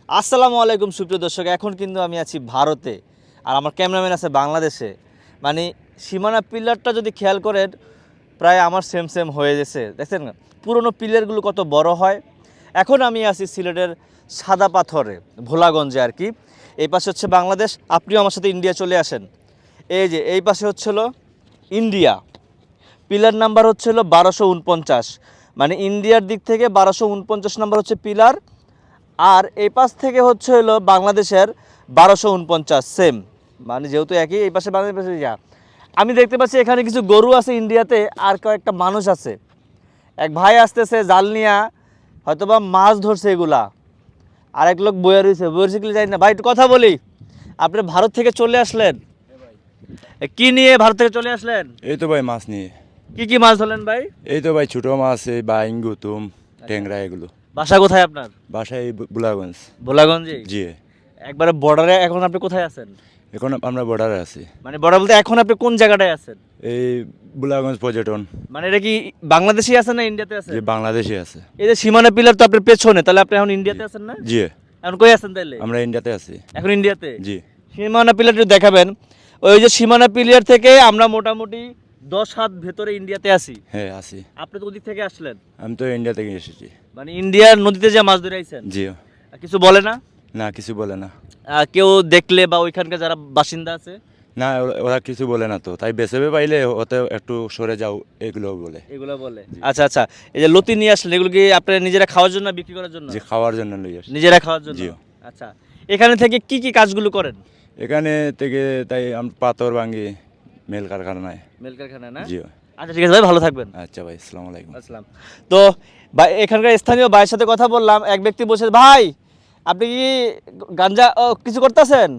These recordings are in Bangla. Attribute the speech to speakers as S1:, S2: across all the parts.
S1: আসসালামু আলাইকুম সুপ্রিয় দর্শক, এখন কিন্তু আমি আছি ভারতে আর আমার ক্যামেরাম্যান আছে বাংলাদেশে। মানে সীমানা পিলারটা যদি খেয়াল করেন প্রায় আমার সেম সেম হয়ে গেছে, দেখছেন না পুরনো পিলারগুলো কত বড় হয়। এখন আমি আছি সিলেটের সাদা পাথরে, ভোলাগঞ্জে আর কি। এই পাশে হচ্ছে বাংলাদেশ, আপনিও আমার সাথে ইন্ডিয়া চলে আসেন। এই যে এই পাশে হচ্ছিল ইন্ডিয়া, পিলার নাম্বার হচ্ছিল 1249, মানে ইন্ডিয়ার দিক থেকে 1249 নাম্বার হচ্ছে পিলার। আর এই পাশ থেকে হচ্ছে হলো বাংলাদেশের 1249 সেম, মানে যেহেতু একই, এই পাশে বাংলাদেশ পাশে যা। আমি দেখতে পাচ্ছি এখানে কিছু গরু আছে ইন্ডিয়াতে, আর কয়েকটা মানুষ আছে। এক ভাই আসতেছে জাল নিয়া, হয়তোবা মাছ ধরছে এগুলা। আর এক লোক বইয়া রয়েছে, কি জানি না। ভাই একটু কথা বলি, আপনি ভারত থেকে চলে আসলেন, কি নিয়ে ভারত থেকে চলে আসলেন?
S2: এই তো ভাই মাছ নিয়ে।
S1: কি কি মাছ ধরলেন ভাই?
S2: এই তো ভাই ছোট মাছ, এই বাইং, গুতুম, ট্যাংরা এগুলো।
S1: বাসা কোথায় আপনার?
S2: বাসায় এই বুলাগঞ্জ।
S1: ভোলাগঞ্জে?
S2: জি।
S1: একবারে বর্ডারে। এখন আপনি কোথায় আছেন?
S2: এখন আমরা বর্ডারে আছি।
S1: মানে বর্ডার বলতে এখন আপনি কোন জায়গাটায় আছেন?
S2: এই বুলাগঞ্জ পর্যটন।
S1: মানে এটা কি বাংলাদেশি আছেন না ইন্ডিয়াতে আছেন?
S2: যে বাংলাদেশে আছে।
S1: এই যে সীমানা পিলার তো আপনার পেছনে, তাহলে আপনি এখন ইন্ডিয়াতে আছেন না?
S2: জি।
S1: এখন কই আছেন তাহলে?
S2: আমরা ইন্ডিয়াতে আছি।
S1: এখন ইন্ডিয়াতে?
S2: জি।
S1: সীমানা পিলার একটু দেখাবেন। ওই যে সীমানা পিলার থেকে আমরা মোটামুটি 10 হাত ভেতরে ইন্ডিয়াতে আছি।
S2: হ্যাঁ আছি।
S1: আপনি তো ওদিক থেকে আসলেন,
S2: আমি তো ইন্ডিয়া থেকে এসেছি।
S1: মানে ইন্ডিয়ার নদীতে যে মাছ ধরে আইছেন?
S2: জি।
S1: কিছু বলে না?
S2: না কিছু বলে না।
S1: কেউ দেখলে বা ওইখানকার যারা বাসিন্দা আছে?
S2: না ওরা কিছু বলে না, তো তাই বেসেবে পাইলে ওতে একটু সরে যাও এগুলো বলে।
S1: এগুলো বলে? আচ্ছা আচ্ছা। এই যে লতি নিয়ে আসলেন, এগুলো কি আপনারা নিজেরা খাওয়ার জন্য, বিক্রি করার জন্য?
S2: যে খাওয়ার জন্য লই আসি।
S1: নিজেরা খাওয়ার জন্য?
S2: জি।
S1: আচ্ছা। এখানে থেকে কি কি কাজগুলো করেন?
S2: এখানে থেকে তাই আমরা পাথর ভাঙি মেল কারখানায়।
S1: মেল কারখানা না?
S2: জি।
S1: আচ্ছা ঠিক আছে ভাই, ভালো থাকবেন।
S2: আচ্ছা ভাই, আসসালামু আলাইকুম।
S1: আসসালাম। তো এখানকার স্থানীয় ভাইয়ের সাথে কথা বললাম। এক ব্যক্তি বলছে, ভাই আপনি কি গাঞ্জা কিছু করতেছেন?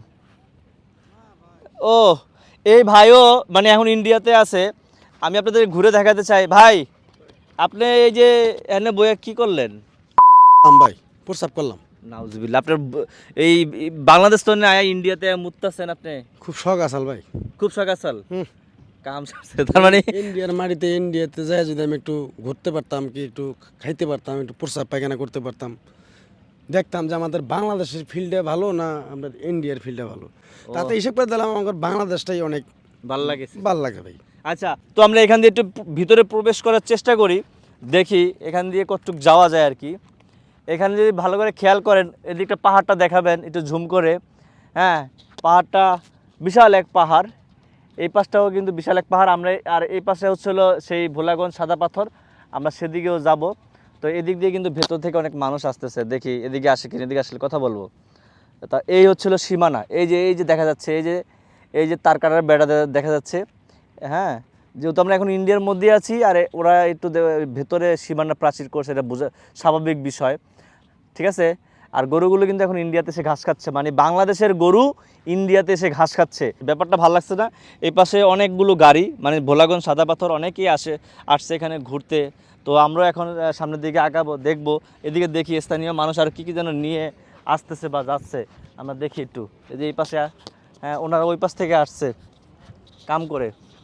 S1: ও, এই ভাইও মানে এখন ইন্ডিয়াতে আছে। আমি আপনাদের ঘুরে দেখাতে চাই। ভাই আপনি এই যে এখানে বইয়া কি করলেন?
S3: ভাই প্রস্রাব করলাম।
S1: নাউজুবিল্লাহ। আপনার এই বাংলাদেশ তো না, ইন্ডিয়াতে মুততাছেন আপনি?
S3: খুব শখ আসাল ভাই।
S1: খুব সকাল
S3: হুম।
S1: কাম সারছে তার মানে?
S3: ইন্ডিয়ার মাটিতে ইন্ডিয়াতে যায় যদি আমি একটু ঘুরতে পারতাম, কি একটু খাইতে পারতাম, একটু প্রস্রাব পায়খানা করতে পারতাম, দেখতাম যে আমাদের বাংলাদেশের ফিল্ডে ভালো না আমাদের ইন্ডিয়ার ফিল্ডে ভালো। তাতে হিসেব করে দিলাম আমার বাংলাদেশটাই অনেক
S1: ভালো লাগে।
S3: ভালো লাগে ভাই।
S1: আচ্ছা, তো আমরা এখান দিয়ে একটু ভিতরে প্রবেশ করার চেষ্টা করি, দেখি এখান দিয়ে কতটুক যাওয়া যায় আর কি। এখানে যদি ভালো করে খেয়াল করেন, এদিকটা পাহাড়টা দেখাবেন একটু ঝুম করে। হ্যাঁ, পাহাড়টা বিশাল এক পাহাড়। এই পাশটাও কিন্তু বিশাল এক পাহাড়। আমরা আর এই পাশে হচ্ছিলো সেই ভোলাগঞ্জ সাদা পাথর, আমরা সেদিকেও যাব। তো এদিক দিয়ে কিন্তু ভেতর থেকে অনেক মানুষ আসতেছে, দেখি এদিকে আসে কিনা, এদিকে আসলে কথা বলবো। তা এই হচ্ছিল সীমানা। এই যে দেখা যাচ্ছে, এই যে তার কাটার বেড়া দেখা যাচ্ছে। হ্যাঁ, যেহেতু আমরা এখন ইন্ডিয়ার মধ্যে আছি, আর ওরা একটু ভেতরে সীমানা প্রাচীর করছে, এটা বোঝা স্বাভাবিক বিষয়। ঠিক আছে। আর গরুগুলো কিন্তু এখন ইন্ডিয়াতে এসে ঘাস খাচ্ছে, মানে বাংলাদেশের গরু ইন্ডিয়াতে এসে ঘাস খাচ্ছে। ব্যাপারটা ভালো লাগছে না? এই পাশে অনেকগুলো গাড়ি, মানে ভোলাগঞ্জ সাদা পাথর অনেকেই আসছে এখানে ঘুরতে। তো আমরা এখন সামনের দিকে আগাবো, দেখবো। এদিকে দেখি স্থানীয় মানুষ আর কি যেন নিয়ে আসতেছে বা যাচ্ছে, আমরা দেখি একটু। এই যে এই পাশে, হ্যাঁ, ওনারা ওই পাশ থেকে আসছে কাম করে।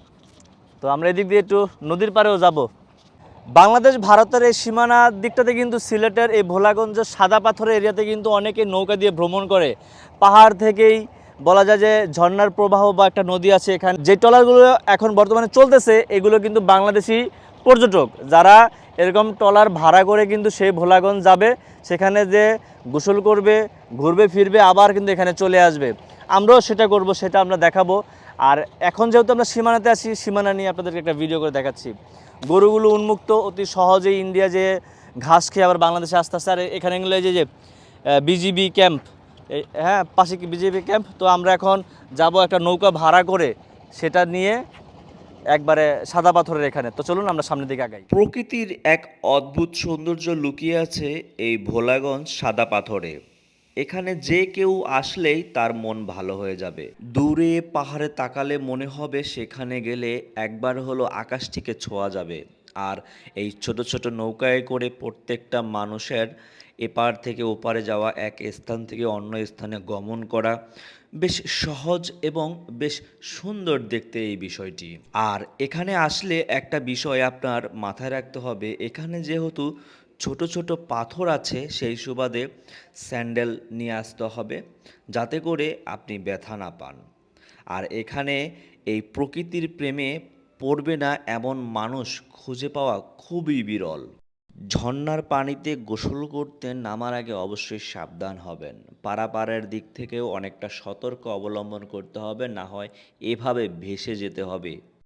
S1: তো আমরা এদিক দিয়ে একটু নদীর পাড়েও যাব। বাংলাদেশ ভারতের এই সীমানার দিকটাতে কিন্তু সিলেটের এই ভোলাগঞ্জের সাদা পাথরের এরিয়াতে কিন্তু অনেকে নৌকা দিয়ে ভ্রমণ করে। পাহাড় থেকেই বলা যায় যে ঝর্ণার প্রবাহ বা একটা নদী আছে এখানে। যে ট্রলারগুলো এখন বর্তমানে চলতেছে এগুলো কিন্তু বাংলাদেশি পর্যটক, যারা এরকম ট্রলার ভাড়া করে কিন্তু সেই ভোলাগঞ্জ যাবে, সেখানে যে গোসল করবে, ঘুরবে ফিরবে, আবার কিন্তু এখানে চলে আসবে। আমরাও সেটা করব, সেটা আমরা দেখাবো। আর এখন যেহেতু আমরা সীমানাতে আছি, সীমানা নিয়ে আপনাদেরকে একটা ভিডিও করে দেখাচ্ছি। গরুগুলো উন্মুক্ত, অতি সহজেই ইন্ডিয়া যে ঘাস খেয়ে আবার বাংলাদেশে আসতে আসতে। আর এখানে এগুলো যে বিজিবি ক্যাম্প, হ্যাঁ পাশে কি বিজিবি ক্যাম্প। তো আমরা এখন যাব একটা নৌকা ভাড়া করে, সেটা নিয়ে একবারে সাদা পাথরের এখানে। তো চলুন আমরা সামনের দিকে আগাই।
S4: প্রকৃতির এক অদ্ভুত সৌন্দর্য লুকিয়ে আছে এই ভোলাগঞ্জ সাদা পাথরে। এখানে যে কেউ আসলেই তার মন ভালো হয়ে যাবে। দূরে পাহাড়ে তাকালে মনে হবে সেখানে গেলে একবার হলো আকাশটিকে ছোঁয়া যাবে। আর এই ছোট ছোট নৌকায় করে প্রত্যেকটা মানুষের এপার থেকে ওপারে যাওয়া, এক স্থান থেকে অন্য স্থানে গমন করা বেশ সহজ এবং বেশ সুন্দর দেখতে এই বিষয়টি। আর এখানে আসলে একটা বিষয় আপনার মাথায় রাখতে হবে, এখানে যেহেতু ছোট ছোট পাথর আছে, সেই সুবাদে স্যান্ডেল নিয়ে আসতে হবে যাতে করে আপনি ব্যথা না পান। আর এখানে এই প্রকৃতির প্রেমে পড়বে না এমন মানুষ খুঁজে পাওয়া খুবই বিরল। ঝর্ণার পানিতে গোসল করতে নামার আগে অবশ্যই সাবধান হবেন। পারাপারের দিক থেকেও অনেকটা সতর্ক অবলম্বন করতে হবে, না হয় এভাবে ভেসে যেতে হবে।